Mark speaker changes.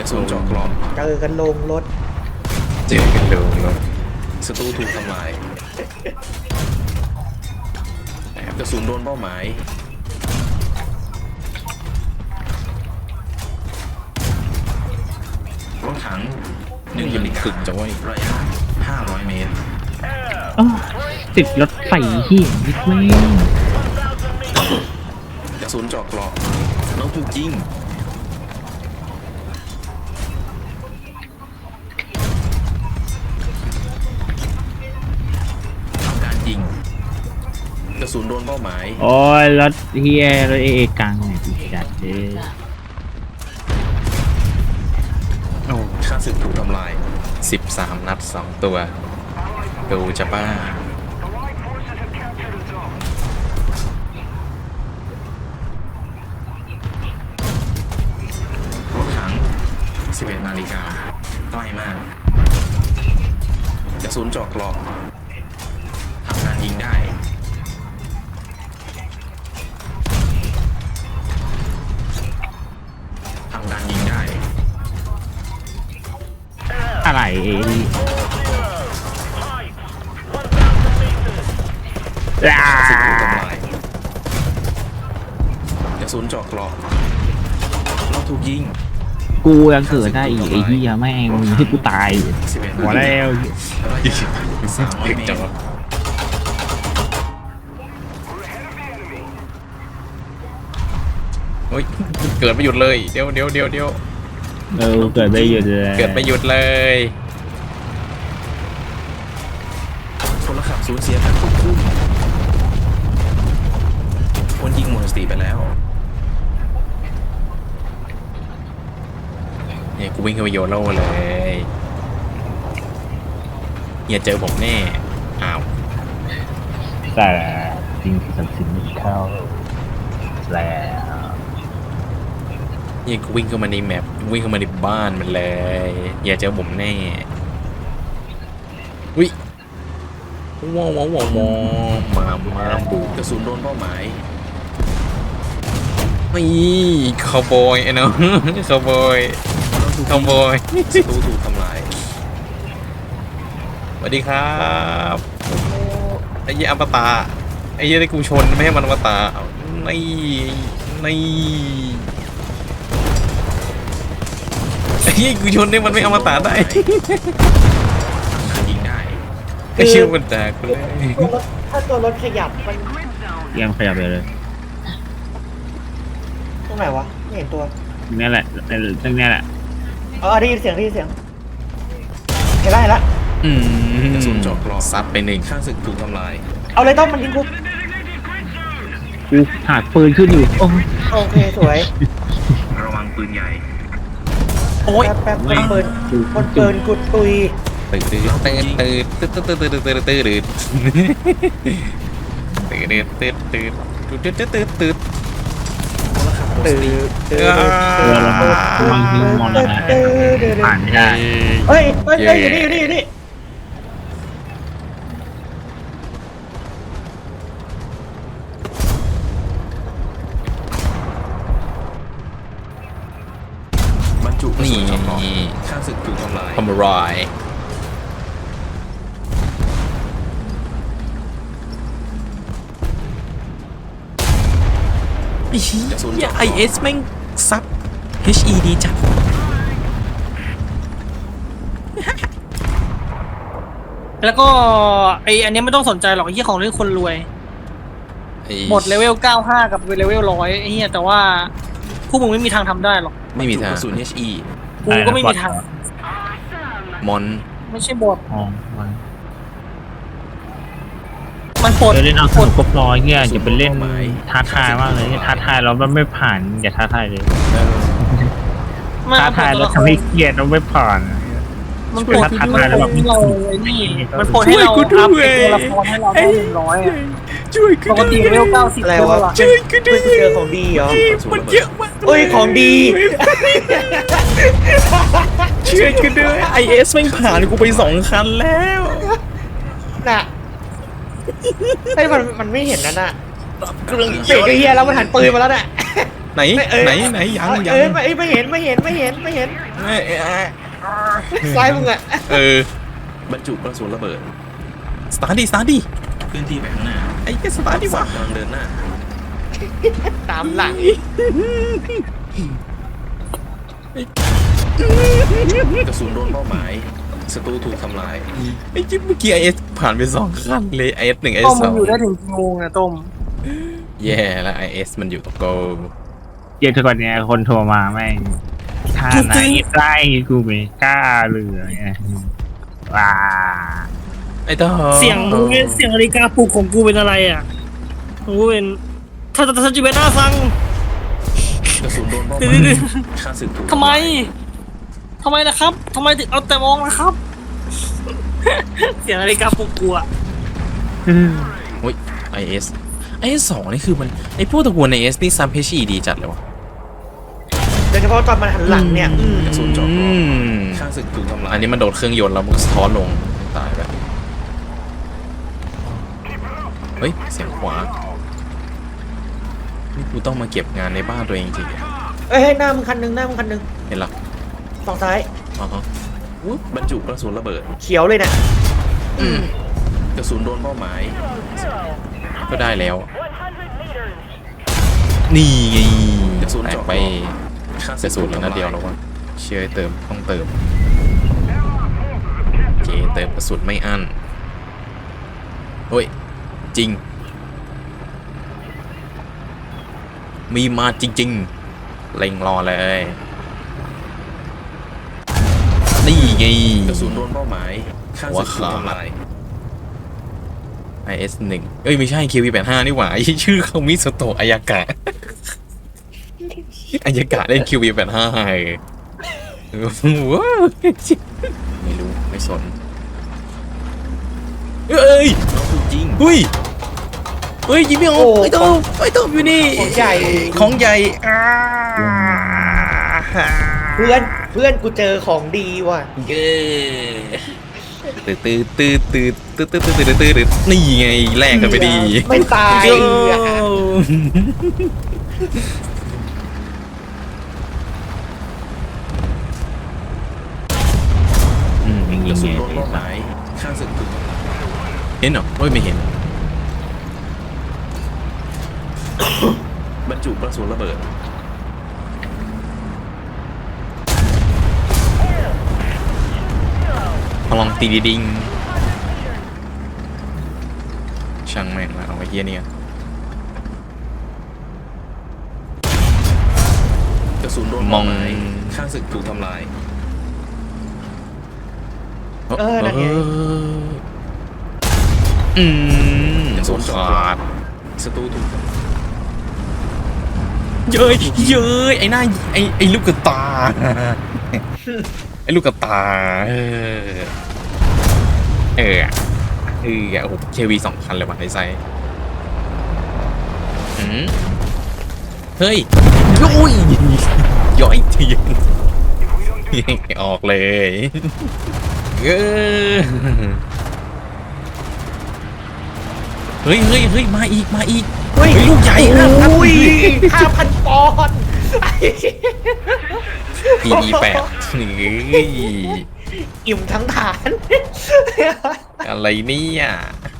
Speaker 1: ระสุนเจาะกรอบ
Speaker 2: เจอกันลงรถ
Speaker 3: เจอกันดูรถ
Speaker 1: ศัตรูถูกทำลายกระสุนโดนเป้าหมายรถถัง1ยูนิตฝึกจะไว้ระยะ500 เมตร
Speaker 4: ติดรถไฟเหี้ยนิดแม่ง
Speaker 1: กระสุนเจาะกรอบเราถูกยิงทำการยิงกระสุนโดนเป้าหมาย
Speaker 4: โอ้ยรถเฮียรถเอกลางเนี่ยดีจัดเลย
Speaker 3: โอ้
Speaker 1: ข้าศึกถูกทำลาย
Speaker 3: 13 นัด 2 ตัวดูจะบ้าร
Speaker 1: ถถัง11 นาฬิกาใกล้มากกระสุนเจาะกรอบทำการยิงได้ทำการยิงได้
Speaker 4: อะไรล่า
Speaker 1: ข้าศึกถูกทำลายกระสุนเจาะกรอบเราถูกยิง
Speaker 4: กูยังเกิดได้อีกไอ้เหี้ยแม่งให้กูตาย
Speaker 1: 11
Speaker 4: หัวแล้ว
Speaker 1: ระยะ300 เมตร
Speaker 3: โอ้ยเกิดไม่หยุดเลยเดี๋ยว
Speaker 4: เกิดไม่หยุดเลย
Speaker 3: เกิดไม่หยุดเลย
Speaker 1: พลขับสูญเสียการควบคุมคนยิงหมดสติไปแล้ว
Speaker 3: เนี่ยกูวิ่งเข้าไปโยนโล่เลยอย่าเจอผมแน่อ้าว
Speaker 4: แต่จริงสัมสินไม่เข้าแล้ว
Speaker 3: เนี่ยกูวิ่งเข้ามาในแมปวิ่งเข้ามาในบ้านมันเลยอย่าเจอผมแน่วิว้าวมาบุ
Speaker 1: กระสุนโดนเป้าหมาย
Speaker 3: นี่คาวบอยไอ้น้องคาวบอยคาวบอย
Speaker 1: ศัตรูถูกทำลาย
Speaker 3: สวัสดีครับไอ้เหี้ยอมตะไอ้เหี้ยที่กูชนไม่ให้มันอมตะนี่ไอ้เหี้ยกูชนนี่มันไม่อมตะได้
Speaker 1: ยิงได้
Speaker 3: ไอ้เชื่อมันแตกเลย
Speaker 2: ถ้าตัวรถขยับมัน
Speaker 4: ยังขยับเลย
Speaker 2: ตรงไหนวะไม่เห็นตัว
Speaker 4: นี่แหละตรงนี้แหละ
Speaker 2: ได้ยินเสียงเห็นแล้ว
Speaker 1: กระสุนเจาะกรอบ
Speaker 3: ซัดไปหนึ่ง
Speaker 1: ข้าศึกถูกทำลาย
Speaker 2: เอาเลยต้องมันยิงกู
Speaker 4: กูหาปืนขึ้นอยู่โอ้
Speaker 2: โอเคสวย
Speaker 1: ระวังปืนใหญ่
Speaker 3: โอ้ย
Speaker 2: แป๊บปืนคนปืนกุดตุย
Speaker 3: ตื่น
Speaker 4: ผ่านไม่ได้
Speaker 2: เฮ้ยอยู่นี่
Speaker 1: บรรจุกระ
Speaker 3: นี่
Speaker 1: สุนเจาะกรอบข้าศึกถูกทำลาย
Speaker 3: ทำรายไอเอสแม่งซับ HE ดีจัด
Speaker 5: แล้วก็อันนี้ไม่ต้องสนใจหรอกไอ้เหี้ยของเรื่องคนรวย หมดเลเวล 95 กับเลเวล 100ไอ้เหี้ยแต่ว่าพวกมึงไม่มีทางทำได้หรอก
Speaker 3: ไม่มีทาง
Speaker 1: กระสุน HE
Speaker 5: กูก็ไม่มีทาง
Speaker 3: มอน
Speaker 5: ไม่ใช่บท
Speaker 4: อ๋อ
Speaker 5: มันปลด
Speaker 4: เล่นเอาสนุกก็พอเงี้ยอย่าไปเล่นท้าทายมากเลยท้าทายเราไม่ผ่านอย่าท้าทายเลย ท้าทายแล้วทำให้เครียดเราไม่ผ่าน
Speaker 5: มันปลดที่เราไอ้นี่มันปลดให้เราอัพตัวละครให้เราได้100อ่ะ
Speaker 3: ช่วยกู
Speaker 5: ปกติเลเวล 90
Speaker 2: อะไร
Speaker 5: ตัว
Speaker 2: วะ
Speaker 5: ละ
Speaker 3: ช่วยกูด้
Speaker 2: เพื่
Speaker 3: ว
Speaker 2: อย เจอของดีเหรอ
Speaker 3: มันเยอะมาก
Speaker 2: เอ้ยของดี
Speaker 3: ช่วยกูด้วย IS แม่งผ่านกูไป2 คันแล้ว
Speaker 2: น่ะไอ้มันไม่เห็นนั่นน่ะ
Speaker 3: เครื่อง
Speaker 2: เสียงเฮียแล้วมันหันปืนมาแล้วน่ะ
Speaker 3: ไหนไหนยัง
Speaker 2: ไม่เห็น ซ้ายมึงอะ
Speaker 1: บรรจุกระสุนระเบิด
Speaker 3: สตาร์ทดิ
Speaker 1: เคลื่อนที่ไปข้างหน้า
Speaker 3: ไอ้แกสตาร์ทดิวะ
Speaker 1: กำลังเดินหน้า
Speaker 2: ตามหลัง
Speaker 1: กระสุนโดนเป้าหมายศัตรูถูกทำลาย
Speaker 3: ไอ้จิ๊บเมื่อกี้ IS ผ่านไป2ขั้นเลย IS 1 IS
Speaker 5: ต้มมันอยู่ได้ถึงกี่โมงอะต้ม
Speaker 3: 2แย่แล้ว IS มันอยู่ตรงโก
Speaker 4: เย็นทุกวันเนี้ยคนโทรมาแม่งท่าไหนไล่กูไม่กล้าเลยว้า
Speaker 3: ไอ้ต่อ
Speaker 5: เสียงนาฬิกาปลุกของกูเป็นอะไรอ่ะกูเป็นถ้าจิเบน่าฟัง
Speaker 1: กระสุนโดนเป้าห
Speaker 5: เดี๋
Speaker 1: มาย
Speaker 5: ยว
Speaker 1: ฆ่าศึกถูก
Speaker 5: ทำไมล่ะครับทำไมถึงเอาแต่มองล่ะครับ เสียงนาฬิกาปลุกกูอะ
Speaker 3: โอ้ย IS 2นี่คือมันไอ้พวกตระกูล IS นี่ซัมเพชีดีจัดเลยวะ
Speaker 2: โดยเฉพาะตอนมันหันหลังเนี่ย
Speaker 1: กระสุนเจาะคอฆ่าศึกถูกทำลาย
Speaker 3: อันนี้มันโดดเครื่องยนต์แล้วมันสะท้อนลงตายไปเฮ้ยเสียงขวานี่กูต้องมาเก็บงานในบ้านตัวเองจริงอะ
Speaker 2: เอ้ยหน้ามึงคันหนึง
Speaker 3: เห็นละ
Speaker 2: ฝั่งซ้าย
Speaker 3: อ๋อฮะ
Speaker 1: บรรจุกระสุนระเบิด
Speaker 2: เขียวเลยเนี่ย
Speaker 1: กระสุนโดนเป้าหมาย
Speaker 3: ก็ได้แล้ว นี่ไง
Speaker 1: กระสุน
Speaker 3: แตก
Speaker 1: เจาะ
Speaker 3: ไป
Speaker 1: ฆ่า
Speaker 3: เสียสูตรแล้วนะเดียวแล้ววะเชื่อให้เติมต้องเติมโอเคเติมกระสุนไม่อั้นเฮ้ยจริง มีมาจริงๆเล็งรอเลยนี่ไง
Speaker 1: กระสุนโดนเป้าหมายฆ่าศึกถูกทำลาย
Speaker 3: IS 1เอ้ยไม่ใช่ KV85 นี่หว่า ชื่อเขามิสโตะอายากะ อายากะเล่น KV85 ว้าวไม่รู้ไม่สนเอ้ย
Speaker 1: น้องถูกยิง
Speaker 3: เฮ้ยยิงไม่ออกไอ้ต้มอยู่นี่
Speaker 2: ของใหญ่
Speaker 3: ของใหญ่
Speaker 2: เพื่อนกูเจอของดีว่ะ
Speaker 3: เย้ตื่นนี่ไงแลกกันไปดี
Speaker 2: ไม่ตาย
Speaker 3: โย่
Speaker 1: กระสุนโดนเป้าหมายฆ่าศึกถูกทำลาย
Speaker 3: เห็นเหรอโอ้ยไม่เห็น
Speaker 1: บรรจุกระสุนระเบิด
Speaker 3: พลังตีดิงช่างแม่งละเอาไว้เฮียเนี่ย
Speaker 1: กระสุนโดน
Speaker 3: มอ
Speaker 1: เป้าง หมายฆ่าศึกถูกทำลาย
Speaker 2: นั่นไง
Speaker 3: โดนขาด
Speaker 1: ศัตรูถูกทำลาย
Speaker 3: เย้ยไอ้หน้าไอ้ลูกกระตา ไอ้ลูกกระตาโอ้โหเควี2,000เลยว่ะในไซส์เฮ้ยย่อยเทียนออกเลยเฮ้ยมาอีกลูกใหญ่นะ
Speaker 2: อุ้ย5,000 ปอนด์
Speaker 3: PD8
Speaker 2: อิ่มทั้งฐาน
Speaker 3: อะไรเนี่ย